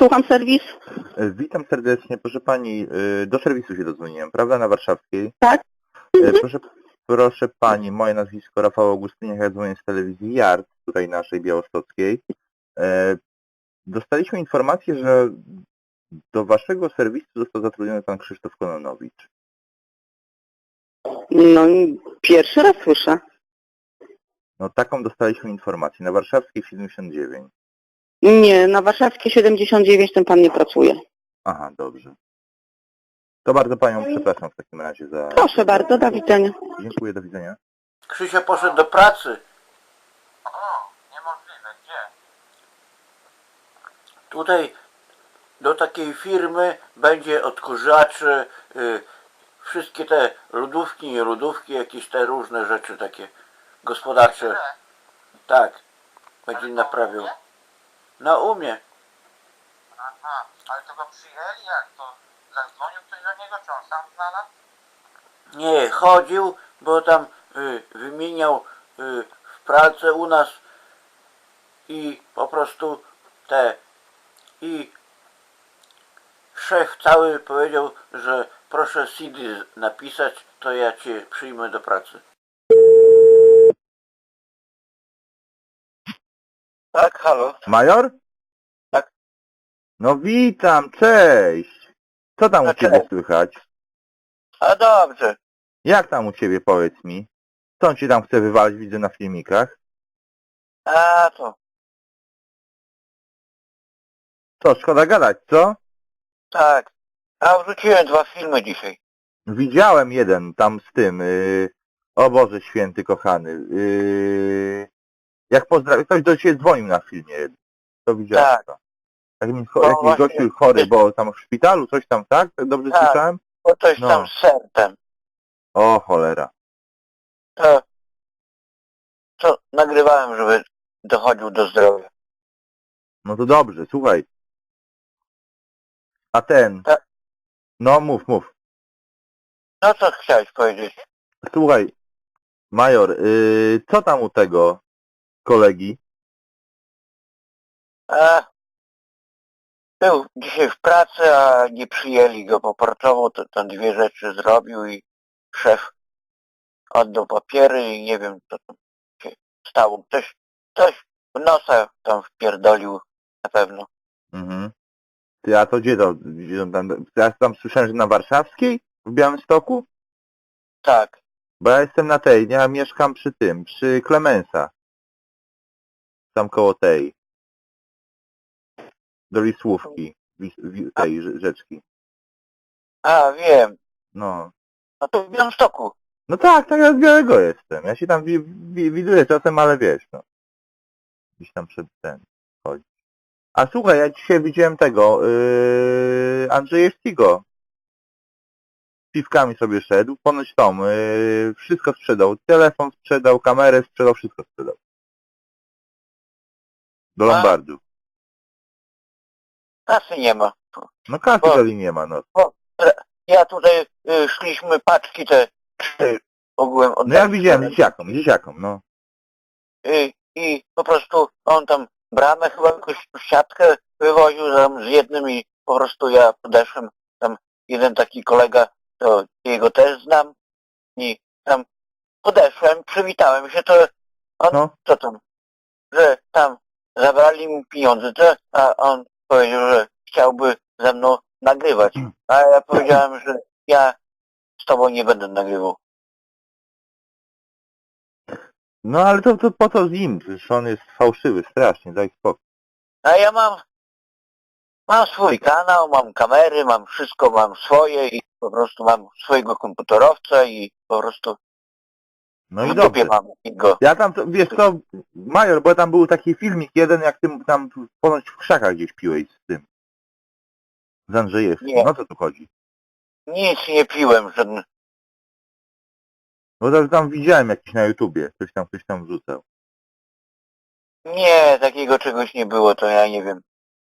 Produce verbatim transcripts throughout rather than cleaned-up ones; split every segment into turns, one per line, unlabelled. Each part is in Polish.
Słucham serwis.
E, Witam serdecznie. Proszę pani, e, do serwisu się dodzwoniłem, prawda? Na Warszawskiej.
Tak?
E, Proszę, proszę pani, moje nazwisko Rafał Augustyniak, ja dzwonię z telewizji Yard, tutaj naszej białostockiej. E, Dostaliśmy informację, że do waszego serwisu został zatrudniony pan Krzysztof Kononowicz.
No i pierwszy raz słyszę.
No taką dostaliśmy informację, na Warszawskiej siedemdziesiąt dziewięć.
Nie, na Warszawskiej siedemdziesiąt dziewięć ten pan nie pracuje.
Aha, dobrze. To bardzo panią przepraszam w takim razie za...
Proszę bardzo, do widzenia.
Dziękuję, do widzenia.
Krzysia poszedł do pracy.
O, niemożliwe, gdzie?
Tutaj do takiej firmy będzie odkurzaczy, y, wszystkie te lodówki, nie lodówki, jakieś te różne rzeczy takie gospodarcze.
Gdzie?
Tak, będzie
Ale
naprawiał.
to umie?
Na umie.
Aha, ale to go przyjęli, jak to? Zadzwonił ktoś do niego, czy on sam znalazł?
Nie, chodził, bo tam y, wymieniał y, w pralce u nas i po prostu te i szef cały powiedział, że proszę C D napisać, to ja cię przyjmę do pracy.
Tak, halo.
Major?
Tak.
No witam, cześć. Co tam u
No,
ciebie
cześć.
słychać?
A dobrze.
Jak tam u ciebie, powiedz mi? Co on ci tam chce wywalić, widzę na filmikach?
A to,
Co, szkoda gadać, co?
tak. A wrzuciłem dwa filmy dzisiaj.
Widziałem jeden tam z tym, yy... o Boże Święty kochany, yy... jak pozdrawiam, ktoś do ciebie dzwonił na filmie, to widziałem
Tak.
to. Jakiś,
No
jakiś
właśnie.
gościu chory, bo tam w szpitalu, coś tam, tak? Dobrze
Tak.
słyszałem?
Bo coś
No.
tam z sercem.
O cholera.
To, to nagrywałem, żeby dochodził do zdrowia.
No to dobrze, słuchaj. A ten,
Tak.
no mów, mów.
No co chciałeś powiedzieć?
Słuchaj, major, yy, co tam u tego kolegi?
A, był dzisiaj w pracy, a nie przyjęli go, bo pracował, to tam dwie rzeczy zrobił i szef oddał papiery i nie wiem, co tam się stało. Ktoś, ktoś w nosa tam wpierdolił na pewno.
Mhm. Ty, a to gdzie to? Gdzie on tam, ja tam słyszałem, że na Warszawskiej? W Białymstoku?
Tak.
Bo ja jestem na tej, ja mieszkam przy tym, przy Klemensa. Tam koło tej. Do Lisłówki. Wis, wi, tej rze- rzeczki.
A, wiem.
No.
No to w Białymstoku.
No tak, tak, ja z Białego jestem. Ja się tam wi, wi, widuję czasem, ale wiesz, no. Gdzieś tam przed ten chodzi. A słuchaj, ja dzisiaj widziałem tego, yy, Andrzejewskiego. Z piwkami sobie szedł, ponoć tą, yy, wszystko sprzedał. Telefon sprzedał, kamerę sprzedał, wszystko sprzedał. Do
A?
Lombardu.
Kasy nie ma.
No kasy
Bo-
dali nie ma, no.
Ja tutaj y, szliśmy paczki te trzy ogółem od
No ja widziałem dzieciakom, dzieciakom, no.
y, i po prostu on tam bramę chyba jakąś siatkę wywoził tam z jednym i po prostu ja podeszłem, tam jeden taki kolega, to jego też znam i tam podeszłem, przywitałem się, to on,
No.
co tam, że tam zabrali mu pieniądze, to, a on powiedział, że chciałby ze mną nagrywać, a ja powiedziałem, że ja z tobą nie będę nagrywał.
No ale to, to po co z nim? Przecież on jest fałszywy, strasznie, daj spokój.
A ja mam, mam swój kanał, mam kamery, mam wszystko, mam swoje i po prostu mam swojego komputerowca i po prostu
No i
w dupie
dobrze.
mam go.
Ja tam, to- wiesz co, Major, bo tam był taki filmik jeden, jak ty tam ponoć w krzakach gdzieś piłeś z tym. Z Andrzejewskim.
Nie.
No co tu chodzi?
Nic nie piłem, żaden.
No to tam widziałem jakiś na YouTubie, coś tam, ktoś tam wrzucał.
Nie, takiego czegoś nie było, to ja nie wiem.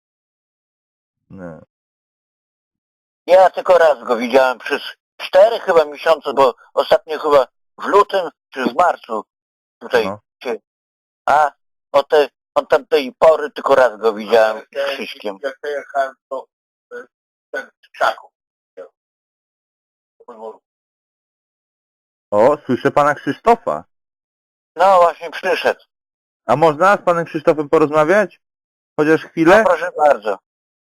No.
Ja tylko raz go widziałem przez cztery chyba miesiące, bo ostatnio chyba w lutym czy w marcu tutaj
No.
się... A o te Od tamtej pory tylko raz go widziałem z Krzyśkiem.
Jak ja jechałem, to e, ten z krzaków.
O, słyszę pana Krzysztofa.
No właśnie przyszedł.
A można z panem Krzysztofem porozmawiać? Chociaż
No
chwilę?
proszę bardzo.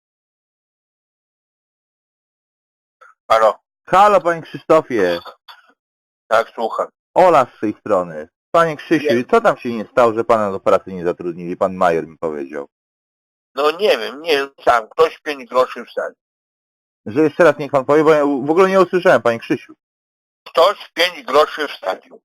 Halo,
Halo, panie Krzysztofie.
tak, słucham.
Ola z tej strony. Panie Krzysiu,
Nie.
co tam się nie stało, że pana do pracy nie zatrudnili? Pan Majer mi powiedział.
No nie wiem, nie wiem sam, ktoś pięć groszy wsadził.
Że jeszcze raz niech pan powie, bo ja w ogóle nie usłyszałem, panie Krzysiu.
Ktoś pięć groszy wsadził.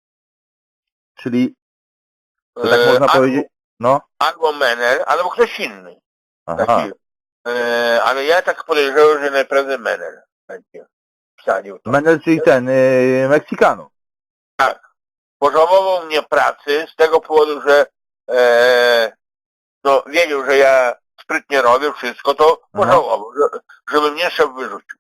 Czyli, to tak
E,
można
albo,
powiedzieć? No.
albo Menel, albo ktoś inny.
Aha.
Taki, e, ale ja tak podejrzewam, że najprawdopodobniej Menel będzie wsadził to.
Menel, czyli ten, yy, Meksykanu.
Tak. Pożałował mnie pracy z tego powodu, że e, no wiedział, że ja sprytnie robię wszystko, to
Aha.
pożałował, że, żeby mnie szef wyrzucił.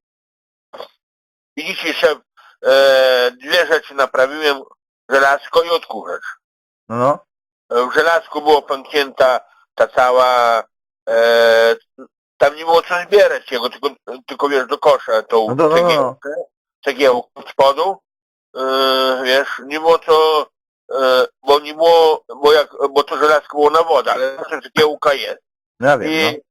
I dzisiaj szef e, dwie rzeczy naprawiłem, żelazko i odkurzacz.
No, no.
W żelazku było pęknięta ta cała, e, tam nie było co zbierać jego, tylko, tylko wiesz, do kosza tą
No, no, no, no.
cegiełkę, cegiełkę od spodu, e, wiesz, nie było co, e, bo nie było, bo jak, bo to żelazko było na wodę, ale zawsze cegiełka jest.
No ja wiem,
I,
no.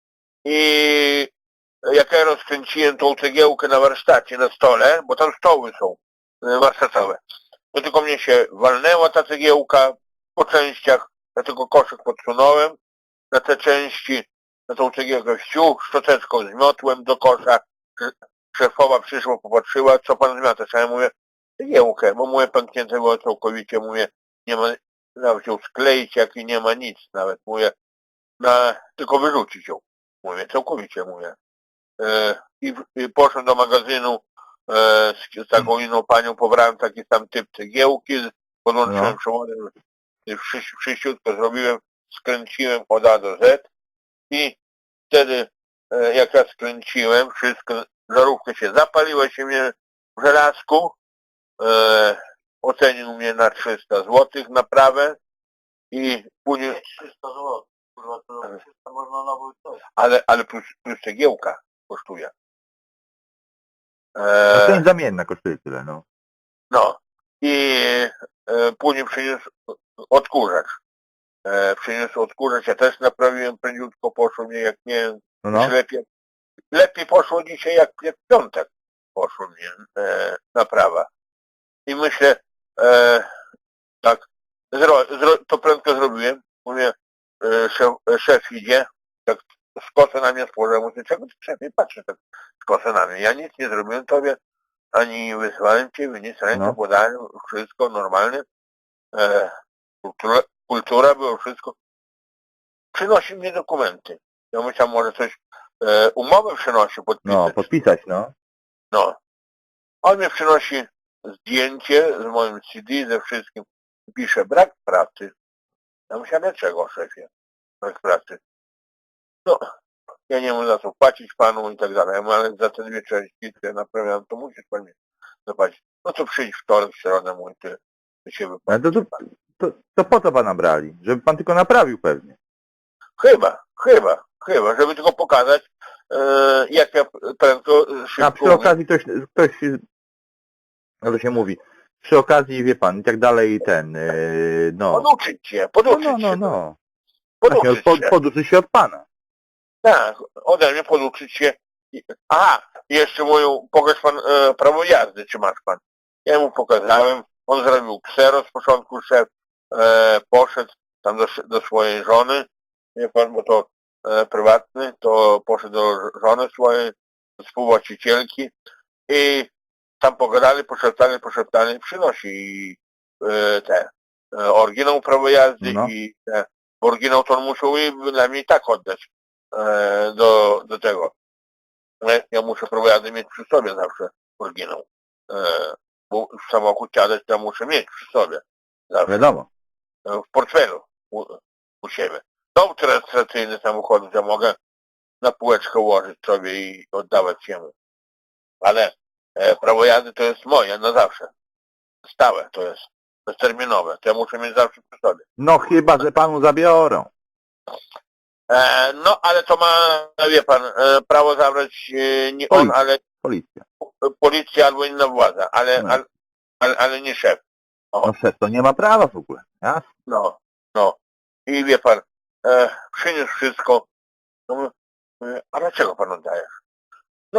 I jak ja rozkręciłem tą cegiełkę na warsztacie, na stole, bo tam stoły są e, warsztatowe, to tylko mnie się walnęła ta cegiełka po częściach, dlatego koszyk podsunąłem na te części, na tą cegiełkę wsiu, szczoteczką zmiotłem do kosza. Szefowa przyszła, popatrzyła, co pan zmiata? Ja mówię, cegiełkę, bo mówię, pęknięte było całkowicie, mówię, nie ma, nawet ją skleić, jak i nie ma nic nawet, mówię, na, tylko wyrzucić ją, mówię, całkowicie, mówię. E, i, I poszedłem do magazynu, e, z, z taką inną panią, pobrałem taki sam typ cegiełki, podłączyłem
No.
przewodem, wszyściutko zrobiłem, skręciłem od A do Z i wtedy, e, jak ja skręciłem wszystko, żarówka się zapaliła się mnie w żelazku, e, ocenił mnie na trzysta złotych naprawę i później... trzysta złotych, kurwa, to trzysta można nabyć to. Ale, ale plus, plus cegiełka kosztuje.
No to
E,
jest zamienna, kosztuje tyle, no.
no i e, później przyniósł odkurzacz. E, przyniósł odkurzacz, ja też naprawiłem, prędziutko poszło mnie, jak nie,
No, no.
lepiej, lepiej poszło dzisiaj jak, jak w piątek poszło mnie e, naprawa. I myślę, e, tak, zro, zro, to prędko zrobiłem, mówię, e, szef, szef idzie, tak skosę na mnie spojrzał, mówię, czego ty szefie patrzysz tak skosę na mnie, ja nic nie zrobiłem tobie, ani wysłałem ciebie, nic, rękę
No.
podałem, wszystko normalnie, e, kultura, kultura było wszystko. Przynosi mnie dokumenty. Ja myślałem, może coś, e, umowę przynosi podpisać.
No, podpisać, no.
No. On mi przynosi zdjęcie z moim C D, ze wszystkim. Pisze brak pracy. Ja myślałem, dlaczego, szefie? Brak pracy. No, ja nie mam za co płacić panu i tak dalej, ale za te dwie części, które naprawiam, to musisz pan mi zapłacić. No to przyjdź wtorek, w środę, mój, ty, ty się
Ale
wypłaci.
to, to, to, to po co pana brali? Żeby pan tylko naprawił pewnie.
Chyba, chyba, chyba, żeby tylko pokazać, e, jak ja prędko, szybko...
A przy okazji ktoś, ktoś, no to się mówi, przy okazji, wie pan, i tak dalej, ten, yy, no.
Poduczyć się,
No,
poduczyć
no, no,
się.
no. Właśnie,
Poduczyć
pod,
się.
poduczy się od pana.
Tak, ode mnie poduczyć się. Aha, jeszcze moją, pokaż pan e, prawo jazdy, czy masz pan? Ja mu pokazałem, on zrobił ksero z początku, szef e, poszedł tam do, do swojej żony, wie pan, bo to e, prywatny, to poszedł do żony swojej, do współwłaścicielki i tam pogadali, poszeptali, poszeptali, przynosi e, te e, oryginał prawo jazdy
No.
i te, oryginał to on musiał i dla mnie i tak oddać e, do, do tego. Ja, ja muszę prawo jazdy mieć przy sobie zawsze oryginał. E, bo w samochód siadać to ja muszę mieć przy sobie. Zawsze.
Wiadomo.
E, w portfelu u, u siebie. Dom rejestracyjny samochodu, ja mogę na półeczkę ułożyć sobie i oddawać jemu. Ale e, prawo jazdy to jest moje na zawsze. Stałe to jest.
bezterminowe. To ja muszę mieć zawsze przy sobie.
No chyba, że panu zabiorą.
E, no, ale to ma, wie pan, e, prawo zabrać e, nie on,
Policja.
ale
Policja.
policja albo inna władza, ale,
No.
ale, ale, ale nie szef.
No szef to nie ma prawa w ogóle. Jasne.
No, no. I wie pan, e, przyniósł wszystko. No, mówię, mówię, a dlaczego pan oddajesz? No,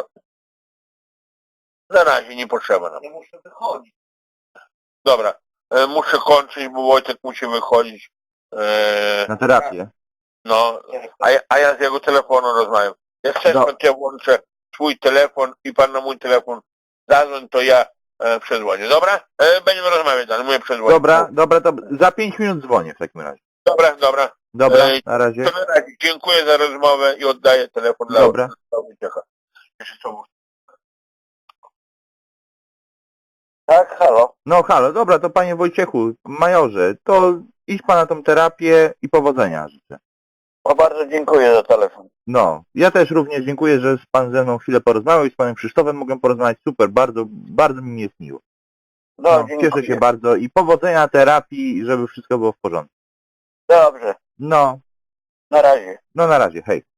na razie nie potrzeba nam. Ja muszę wychodzić. Dobra, e, muszę kończyć, bo Wojtek musi wychodzić. E,
Na terapię.
no, a, ja- a ja z jego telefonu rozmawiam. Jak chcesz,
No.
pan, to ja włączę swój telefon i pan na mój telefon zadzwoń, to ja e, przedzwonię. Dobra? E, będziemy rozmawiać, ale mówię przedzwonię.
Dobra, dobra, to za pięć minut dzwonię w takim razie.
Dobra, dobra.
Dobra,
Ej,
na razie.
To na razie. Dziękuję za rozmowę i oddaję telefon dla
Dobra.
dla Wojciecha. Jeszcze co mówię? Tak, halo.
No halo, dobra, to panie Wojciechu, majorze, to idź pan na tą terapię i powodzenia życzę.
O, bardzo dziękuję za telefon.
No, ja też również dziękuję, że pan ze mną chwilę porozmawiał i z panem Krzysztofem mogłem porozmawiać. Super, bardzo, bardzo mi jest miło.
No,
No,
dziękuję.
cieszę się bardzo i powodzenia terapii, żeby wszystko było w porządku.
Dobrze,
No,
na razie.
no na razie, hej.